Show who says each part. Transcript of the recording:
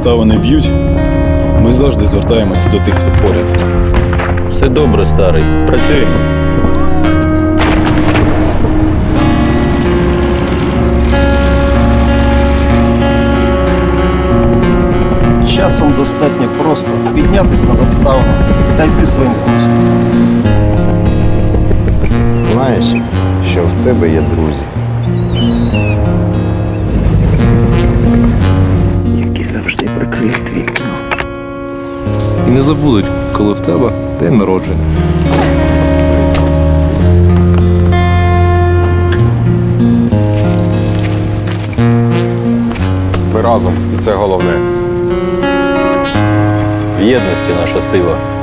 Speaker 1: обставини б'ють, ми завжди звертаємося до тих, хто поряд.
Speaker 2: Все добре, старий. Працюємо.
Speaker 3: Часом достатньо просто піднятись над обставинами та йти своїм курсом.
Speaker 4: Знаєш, що в тебе є друзі.
Speaker 3: Які завжди прикриють твій тил.
Speaker 5: І не забудуть, коли в тебе день народження.
Speaker 4: Ми разом, і це головне.
Speaker 2: В єдності наша сила.